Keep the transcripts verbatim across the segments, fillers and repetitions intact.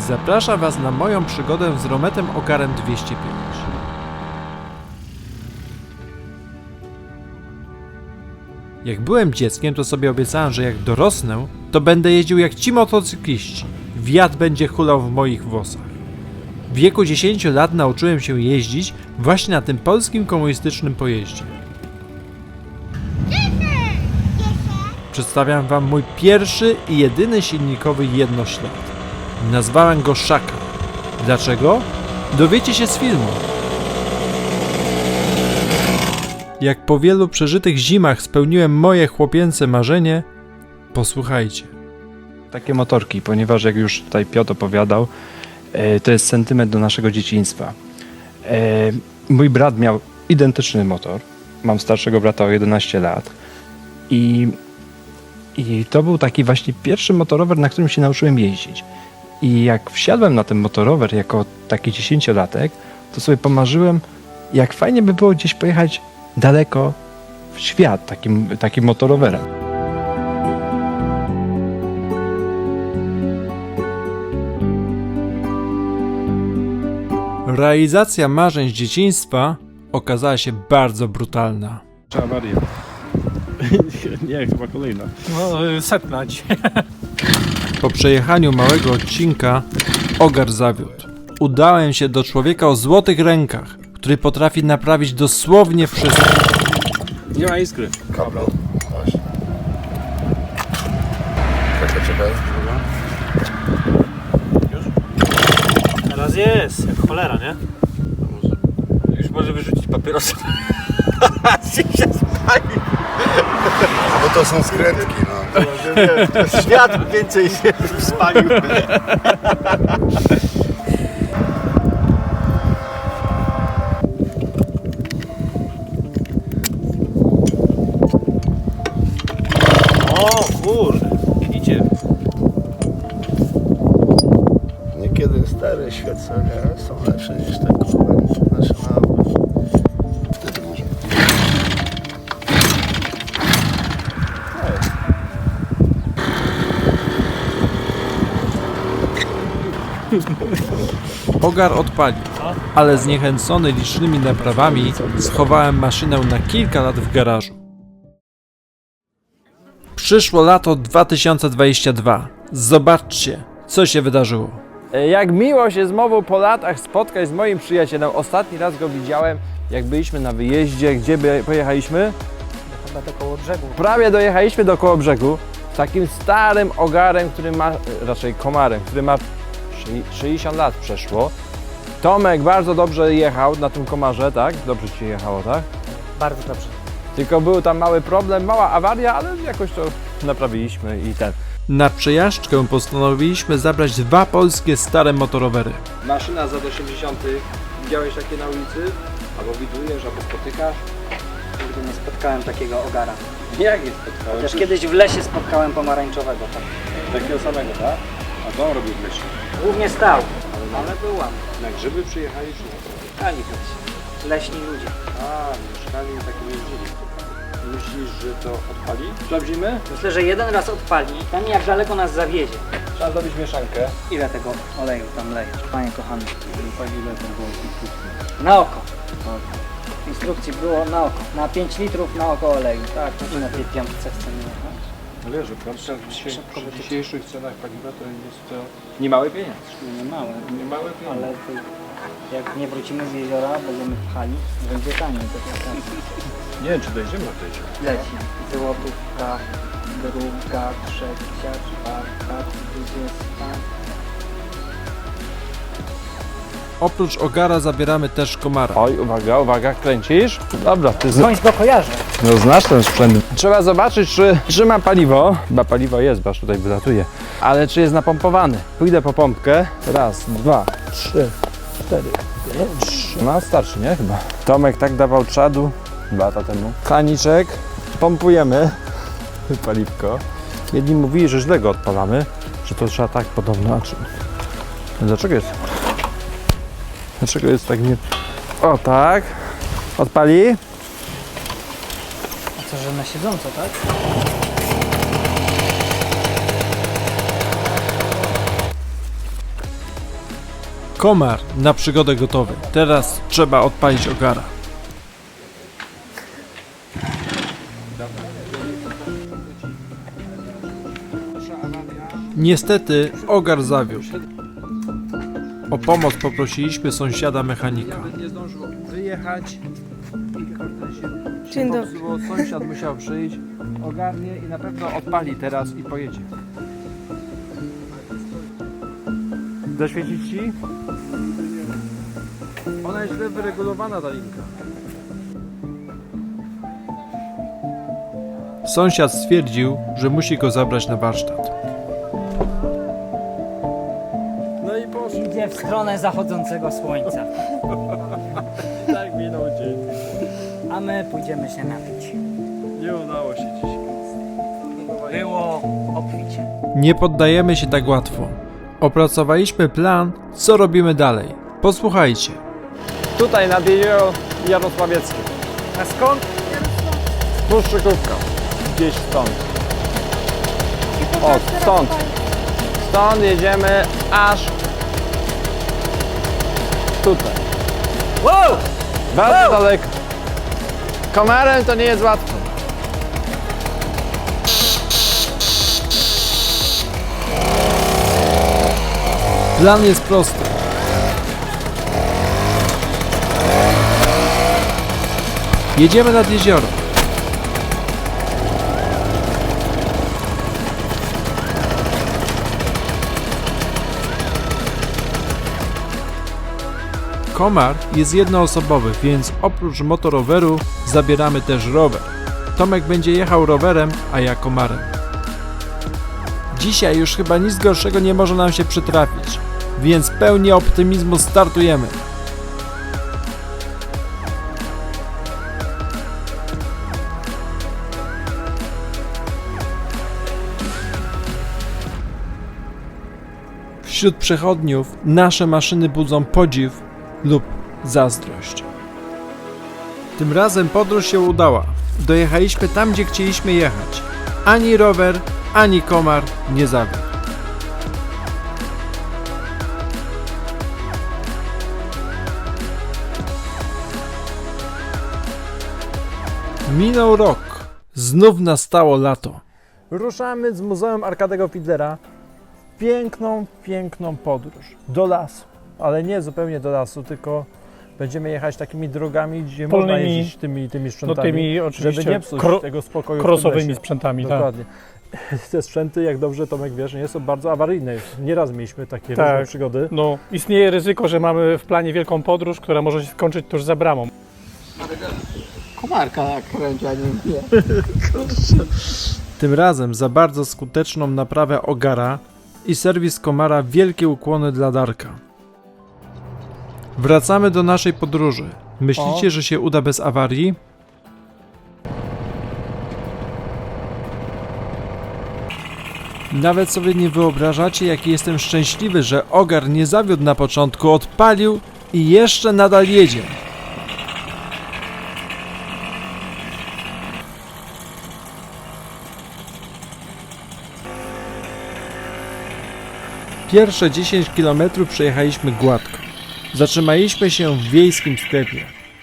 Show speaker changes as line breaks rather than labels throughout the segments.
Zapraszam Was na moją przygodę z Rometem Ogarem dwieście pięć. Jak byłem dzieckiem, to sobie obiecałem, że jak dorosnę, to będę jeździł jak ci motocykliści. Wiatr będzie hulał w moich włosach. W wieku dziesięciu lat nauczyłem się jeździć właśnie na tym polskim komunistycznym pojeździe. Przedstawiam Wam mój pierwszy i jedyny silnikowy jednoślad. Nazwałem go Szaka. Dlaczego? Dowiecie się z filmu. Jak po wielu przeżytych zimach spełniłem moje chłopięce marzenie, posłuchajcie.
Takie motorki, ponieważ jak już tutaj Piotr opowiadał, e, to jest sentyment do naszego dzieciństwa. E, mój brat miał identyczny motor. Mam starszego brata o jedenaście lat. I, I to był taki właśnie pierwszy motorower, na którym się nauczyłem jeździć. I jak wsiadłem na ten motorower jako taki dziesięciolatek, to sobie pomarzyłem, jak fajnie by było gdzieś pojechać daleko w świat takim, takim motorowerem.
Realizacja marzeń z dzieciństwa okazała się bardzo brutalna.
Awarię. Nie, chyba kolejna.
No, setna dzisiaj.
Po przejechaniu małego odcinka Ogar zawiódł. Udałem się do człowieka o złotych rękach, który potrafi naprawić dosłownie wszystko.
Nie ma iskry.
Kabel. Właśnie. Czekaj, czekaj.
Teraz jest, jak cholera, nie?
Już może wyrzucić papierosa.
Bo to są skrętki, no.
Świat więcej się spalił. O kurde, widzicie?
Niekiedy stare świecenia są lepsze niż te kurwa nasze nowe. Wtedy może.
Ogar odpalił, ale zniechęcony licznymi naprawami schowałem maszynę na kilka lat w garażu. Przyszło lato dwa tysiące dwudzieste drugie. Zobaczcie, co się wydarzyło. Jak miło się znowu po latach spotkać z moim przyjacielem. Ostatni raz go widziałem, jak byliśmy na wyjeździe. Gdzie by pojechaliśmy?
Chyba do koło brzegu.
Prawie dojechaliśmy do koło brzegu. Takim starym ogarem, który ma, raczej komarem, który ma sześćdziesiąt lat przeszło. Tomek bardzo dobrze jechał na tym komarze, tak? Dobrze ci jechało, tak?
Bardzo dobrze.
Tylko był tam mały problem, mała awaria, ale jakoś to naprawiliśmy i ten. Na przejażdżkę postanowiliśmy zabrać dwa polskie stare motorowery.
Maszyna z lat osiemdziesiątych. Widziałeś takie na ulicy? Albo widujesz, albo spotykasz?
Nigdy nie spotkałem takiego ogara.
Jak jest spotkałeś?
Chociaż kiedyś w lesie spotkałem pomarańczowego. Tak.
Takiego samego, tak? A co on robił w lesie?
Głównie stał, ale byłam.
Na grzyby przyjechali czy na co?
Ani leśni ludzie.
A, mieszkali na takim jeździli. Myślisz, że to odpali? Sprawdzimy?
Myślę, że jeden raz odpali, ten jak daleko nas zawiezie.
Trzeba zrobić mieszankę.
Ile tego oleju tam lejesz, panie kochany?
Ile to było instrukcji?
Na oko. W instrukcji było na oko. Na pięć litrów na oko oleju. Tak, i na tej piątce chcemy jechać.
Ale że patrzę, przy dzisiejszych cenach paliwa to jest to niemały pieniądz.
Nie małe,
Niemały pieniądz.
ale to, jak nie wrócimy z jeziora, będziemy pchali, będzie taniej. To jest tak.
Nie wiem, czy dojdziemy do tej.
Leci. Złotówka, druga, trzecia, czwarta, dwudziesta.
Oprócz ogara zabieramy też komara. Oj, uwaga, uwaga, kręcisz? Dobra, ty z...
Skądś go kojarzę.
no, znasz ten sprzęt. Trzeba zobaczyć, czy, czy ma paliwo. Chyba paliwo jest, bo aż tutaj wylatuje. Ale czy jest napompowany? Pójdę po pompkę. Raz, dwa, trzy, cztery, pięć. No starczy, nie? Chyba. Tomek tak dawał czadu dwa lata temu. Kaniczek, pompujemy paliwko. Jedni mówili, że źle go odpalamy, że to trzeba tak podobno. A czy... Dlaczego jest? Dlaczego jest tak nie... O tak. Odpali.
A co, że na siedząco, tak?
Komar na przygodę gotowy. Teraz trzeba odpalić ogara. Niestety ogar zawiódł. O pomoc poprosiliśmy sąsiada mechanika.
Nawet nie zdążył wyjechać i kurde się
Dzień dobry.
popsuło. Sąsiad musiał przyjść, ogarnie i na pewno odpali teraz i pojedzie. Zaświecić ci? Ona jest źle wyregulowana, ta linka.
Sąsiad stwierdził, że musi go zabrać na warsztat.
No i poszło.
Idzie w stronę zachodzącego słońca.
Tak minął dzień.
A my pójdziemy się napić.
Nie udało się dzisiaj.
Było obficie.
Nie poddajemy się tak łatwo. Opracowaliśmy plan, co robimy dalej. Posłuchajcie.
Tutaj nad jezioro Jarosławieckie.
A skąd?
Puszczykówka. Gdzieś stąd. O, stąd. Stąd jedziemy aż tutaj.
Wow!
Bardzo daleko. Komarem to nie jest łatwo.
Plan jest prosty. Jedziemy nad jezioro. Komar jest jednoosobowy, więc oprócz motoroweru zabieramy też rower. Tomek będzie jechał rowerem, a ja komarem. Dzisiaj już chyba nic gorszego nie może nam się przytrafić, więc pełni optymizmu startujemy. Wśród przechodniów nasze maszyny budzą podziw lub zazdrość. Tym razem podróż się udała. Dojechaliśmy tam, gdzie chcieliśmy jechać. Ani rower, ani komar nie zawiódł. Minął rok. Znów nastało lato. Ruszamy z Muzeum Arkadego Fidlera w piękną, piękną podróż do lasu. Ale nie zupełnie do lasu, tylko będziemy jechać takimi drogami, gdzie można
Polnymi,
jeździć tymi, tymi
No
sprzętami,
tymi
żeby
oczywiście
nie psuć
kro,
tego spokoju w tym
crossowymi
lesie.
sprzętami, tak.
Dokładnie. Te sprzęty, jak dobrze Tomek wiesz, nie są bardzo awaryjne. Nieraz mieliśmy takie
Tak.
różne przygody.
No, istnieje ryzyko, że mamy w planie wielką podróż, która może się skończyć tuż za bramą.
Komarka jak kręci, a nie wie.
Tym razem za bardzo skuteczną naprawę ogara i serwis komara wielkie ukłony dla Darka. Wracamy do naszej podróży. Myślicie,
O.
że się uda bez awarii? Nawet sobie nie wyobrażacie, jaki jestem szczęśliwy, że ogar nie zawiódł na początku, odpalił i jeszcze nadal jedzie. Pierwsze dziesięć kilometrów przejechaliśmy gładko. Zatrzymaliśmy się w wiejskim sklepie.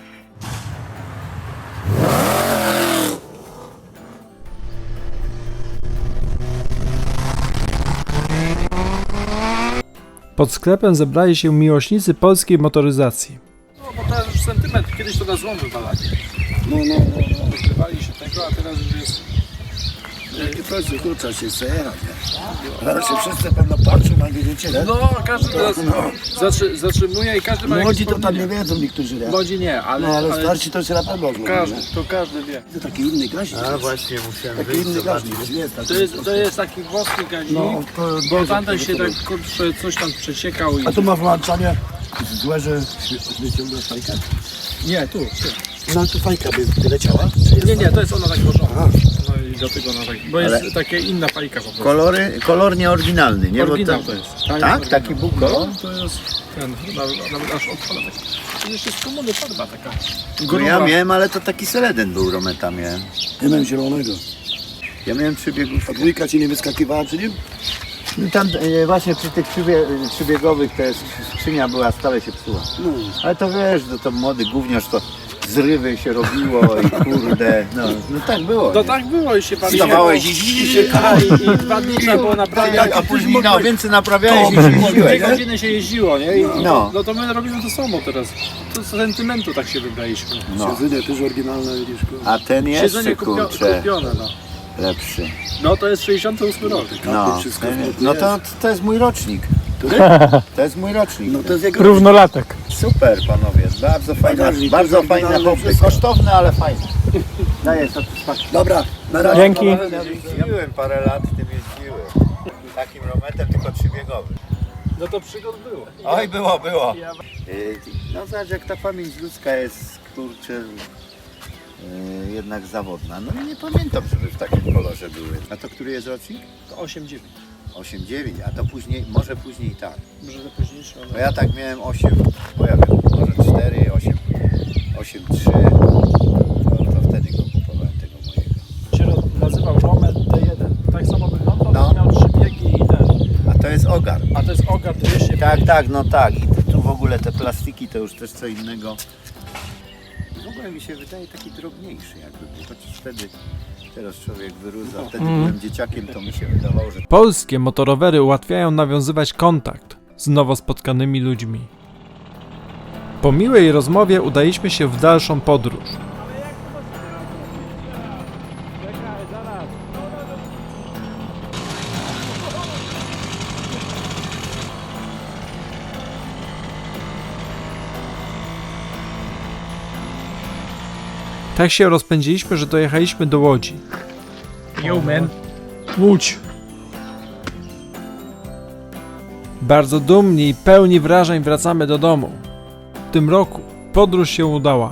Pod sklepem zebrali się miłośnicy polskiej motoryzacji.
No bo teraz już sentymetr, kiedyś to na złom wywalali.
No, no, no, no.
Wykrywali się tego, a teraz już jest...
Jakie pracy, tu trzeba się chce jechać, nie? Zaraz się wszyscy pewno patrzą, a wiecie, nie?
No, każdy teraz zatrzy, zatrzymuje i każdy ma
Młodzi
jakieś
to tam nie
wspomnienie.
wiedzą niektórzy, nie?
Młodzi nie, ale,
No ale
ale
starsi to się na pewno oglądają,
każdy,
nie?
to każdy wie.
To taki inny gaźnik. A właśnie, musiałem taki inny gaźnik, nie jest taki.
To jest, to jest taki włoski gaźnik,
No, to
bo
jest
tamten się
to-
tak kurczę, coś tam przeciekał i...
A tu ma włączanie złe, że wyciąga fajkę?
Nie, tu, tu.
No tu fajka by wyleciała? Czy jest
Nie, nie, to jest ona tak włożona.
Aha.
No i dlatego ona tak, bo jest
Ale-
taka inna fajka po prostu.
Kolory, kolor nieoryginalny, nie? Bo
Oryginał
to-
to jest.
Tak? Taki był kolor?
No, to jest ten, nawet, nawet aż odpada tak. To jeszcze z komuny farba taka.
No ja miałem, ale to taki seleden był, Rometa miałem.
Ja miałem zielonego.
Ja miałem trzy biegów.
A dwójka ci nie wyskakiwała przy nim?
No tam e, właśnie przy tych przybie, przybiegowych to jest, skrzynia była, stale się psuła. Ale to wiesz, to, to młody gówniarz to zrywy się robiło i kurde, no, no tak było.
To
nie?
tak było i się
Wstawałeś i
A, i, i dwa dni trzeba było naprawiać.
a później no, więcej naprawiałeś niż
Dwie
jeździłeś, nie?
godziny się jeździło, nie? I,
No.
no to my robimy to samo teraz. To z sentymentu tak się wybraliśmy.
No.
Siedzenie też oryginalne, widzisz.
A ten
Siedzenie
jeszcze,
kupio,
kurczę,
kupione, no.
lepszy.
No to jest sześćdziesiąty ósmy rok.
No,
wszystko
ten,
w
no to, to jest mój rocznik. To jest mój rocznik.
No to jest jego...
Równolatek.
Super panowie, bardzo fajna,
Bagażnik,
bardzo
tylko
fajne
oryginalne
hobby.
wszystko.
Kosztowne, ale fajne. Daję satysfakcję.
Dobra, na razie.
Dzięki.
Jeździłem parę lat, tym jeździłem. Takim rometem, tylko trzybiegowym.
No to przygód było.
Oj, było, było. Yy, No zobacz, jak ta pamięć ludzka jest, kurczę, yy, jednak zawodna. No i nie pamiętam, żeby w takim kolorze były. A to który jest rocznik?
To osiem dziewięć.
osiem dziewięć, a to później, może później tak.
Może to późniejsze.
Bo ja tak miałem osiem, bo ja wiem, może cztery, osiem, osiem trzy. To, to wtedy go kupowałem, tego mojego.
Się nazywał Romet D jeden. Tak samo wyglądał,
No.
miał trzy biegi i ten.
A to jest ogar.
A to jest Ogar dwieście.
Tak, tak, no tak. I tu w ogóle te plastiki to już też co innego. W ogóle mi się wydaje taki drobniejszy jakby był. Chociaż wtedy, teraz człowiek wyrusza. Wtedy byłem dzieciakiem, to mi się wydawało, że
Polskie motorowery ułatwiają nawiązywać kontakt z nowo spotkanymi ludźmi. Po miłej rozmowie udaliśmy się w dalszą podróż. Tak się rozpędziliśmy, że dojechaliśmy do Łodzi.
Yo, man. Łódź.
Bardzo dumni i pełni wrażeń wracamy do domu. W tym roku podróż się udała.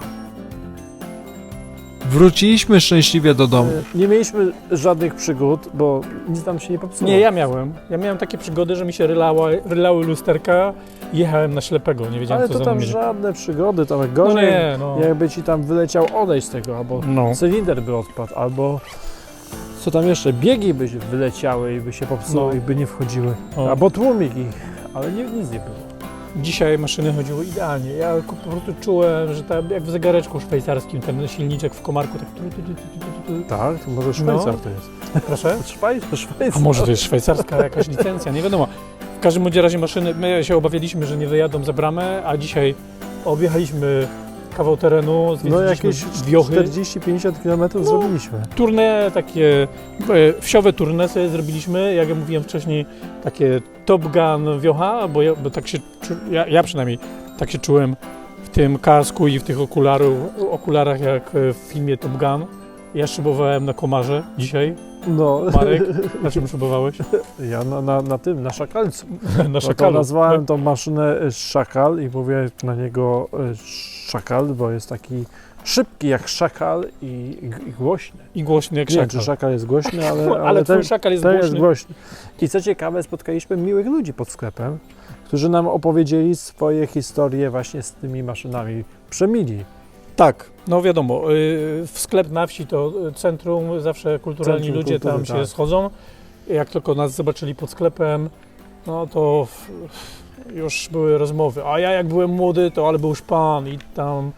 Wróciliśmy szczęśliwie do domu.
Nie mieliśmy żadnych przygód, bo nic nam się nie popsuło.
Nie, ja miałem. Ja miałem takie przygody, że mi się rylała, rylały lusterka i jechałem na ślepego. Nie wiedziałem,
Ale
co
to
za
tam
mną jedzie.
żadne przygody, to
No
gorzej,
nie, no.
jakby ci tam wyleciał odejść z tego, albo
No.
cylinder by odpadł, albo co tam jeszcze, biegi by się wyleciały i by się popsuły
No.
i by nie wchodziły,
O.
albo tłumik ich, ale nie, nic nie było.
Dzisiaj maszyny chodziły idealnie. Ja po prostu czułem, że tam jak w zegareczku szwajcarskim, ten silniczek w komarku tak... tu, tu, tu, tu, tu, tu.
Tak, to może Szwajcar to jest.
Proszę?
Szwajcar, Szwajcar.
A może to jest szwajcarska jakaś licencja, nie wiadomo. W każdym bądź razie maszyny, my się obawialiśmy, że nie wyjadą za bramę, a dzisiaj objechaliśmy kawał terenu,
No
zwiedziliśmy
jakieś
wiochy.
czterdzieści pięćdziesiąt kilometrów
No.
zrobiliśmy.
Turne, takie e, wsiowe turne sobie zrobiliśmy, jak ja mówiłem wcześniej, takie Top Gun wiocha, bo, ja, bo tak się, czu- ja, ja przynajmniej tak się czułem w tym kasku i w tych okularu, okularach jak e, w filmie Top Gun. Ja szybowałem na komarze dzisiaj.
No,
Marek, na czym szybowałeś?
ja na, na, na tym, na szakalcu.
Na
No to
szakalu.
nazwałem tą maszynę e, szakal i mówię na niego e, szakal, bo jest taki szybki jak szakal i, i, i głośny.
I głośny jak
Nie wiem,
szakal.
czy szakal jest głośny, ale, ale,
Ale twój
ten,
szakal jest
ten
głośny.
jest głośny. I co ciekawe, spotkaliśmy miłych ludzi pod sklepem, którzy nam opowiedzieli swoje historie właśnie z tymi maszynami. Przemili.
Tak, no wiadomo, y, w sklep na wsi to centrum, zawsze kulturalni
Centrum
ludzie
kultury,
tam się
tak.
schodzą. Jak tylko nas zobaczyli pod sklepem, no to w, już były rozmowy. A ja jak byłem młody, to ale był szpan i tam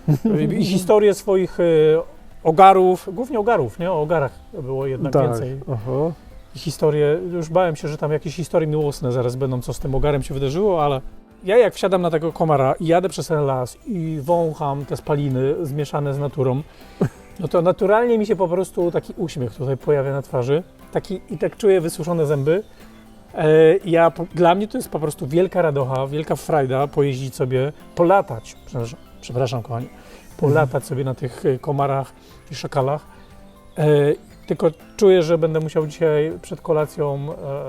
i historie swoich y, ogarów, głównie ogarów, nie? O ogarach było jednak
tak.
więcej.
Oho.
I historie, już bałem się, że tam jakieś historie miłosne zaraz będą, co z tym ogarem się wydarzyło, ale ja jak wsiadam na tego komara i jadę przez ten las i wącham te spaliny zmieszane z naturą, no to naturalnie mi się po prostu taki uśmiech tutaj pojawia na twarzy, taki i tak czuję wysuszone zęby. E, ja, po- dla mnie to jest po prostu wielka radocha, wielka frajda pojeździć sobie, polatać, przepraszam, przepraszam kochani, polatać sobie na tych e, komarach i szakalach. E, tylko czuję, że będę musiał dzisiaj przed kolacją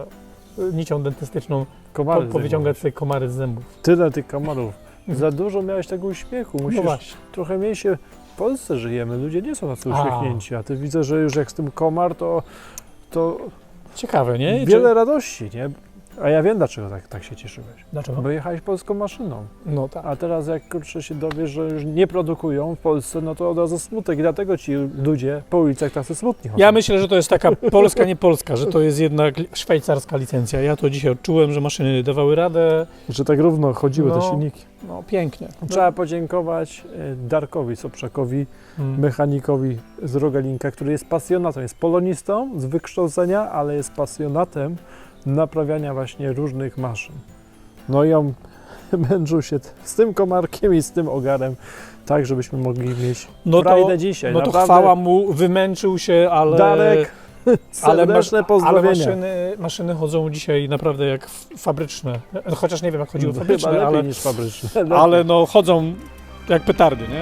e, nicią dentystyczną
Komary
po, powyciągać sobie komary z zębów.
Tyle tych komarów. Za dużo miałeś tego uśmiechu. Musisz
No właśnie.
trochę mniej się... W Polsce żyjemy, ludzie nie są tacy
A.
uśmiechnięci, a ty widzę, że już jak z tym komar, to, to
Ciekawe, nie? I
wiele radości, nie?
A ja wiem, dlaczego tak, tak się cieszyłeś.
Dlaczego?
Bo jechałeś polską maszyną.
No tak.
A teraz jak kurczę się dowiesz, że już nie produkują w Polsce, no to od razu smutek i dlatego ci ludzie po ulicach tacy smutni chodzą.
Ja myślę, że to jest taka polska, nie polska, że to jest jednak szwajcarska licencja. Ja to dzisiaj odczułem, że maszyny dawały radę.
Że tak równo chodziły
No.
te silniki.
No pięknie.
Trzeba podziękować e, Darkowi Soprzakowi,
Mm.
mechanikowi z Rogalinka, który jest pasjonatem, jest polonistą z wykształcenia, ale jest pasjonatem naprawiania właśnie różnych maszyn. No i on męczył się t- z tym komarkiem i z tym ogarem, tak żebyśmy mogli mieć
No
frajdę
to,
dzisiaj.
no to
Naprawdę,
chwała mu, wymęczył się, ale...
Darek,
ale, masz,
serdeczne
ale
pozdrowienia.
maszyny, maszyny chodzą dzisiaj naprawdę jak f- fabryczne. No, chociaż nie wiem, jak chodziły
Chyba
fabryczne,
lepiej
ale,
niż fabryczne.
ale no chodzą jak petardy, nie?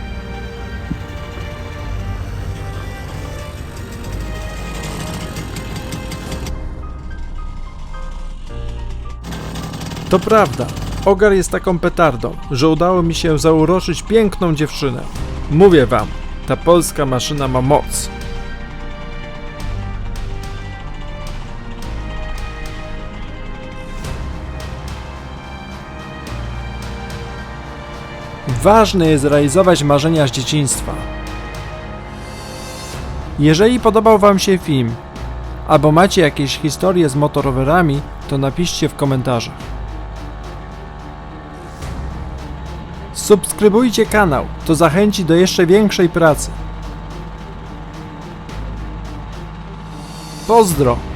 To prawda, ogar jest taką petardą, że udało mi się zauroczyć piękną dziewczynę. Mówię wam, ta polska maszyna ma moc. Ważne jest realizować marzenia z dzieciństwa. Jeżeli podobał wam się film, albo macie jakieś historie z motorowerami, to napiszcie w komentarzach. Subskrybujcie kanał, to zachęci do jeszcze większej pracy. Pozdro!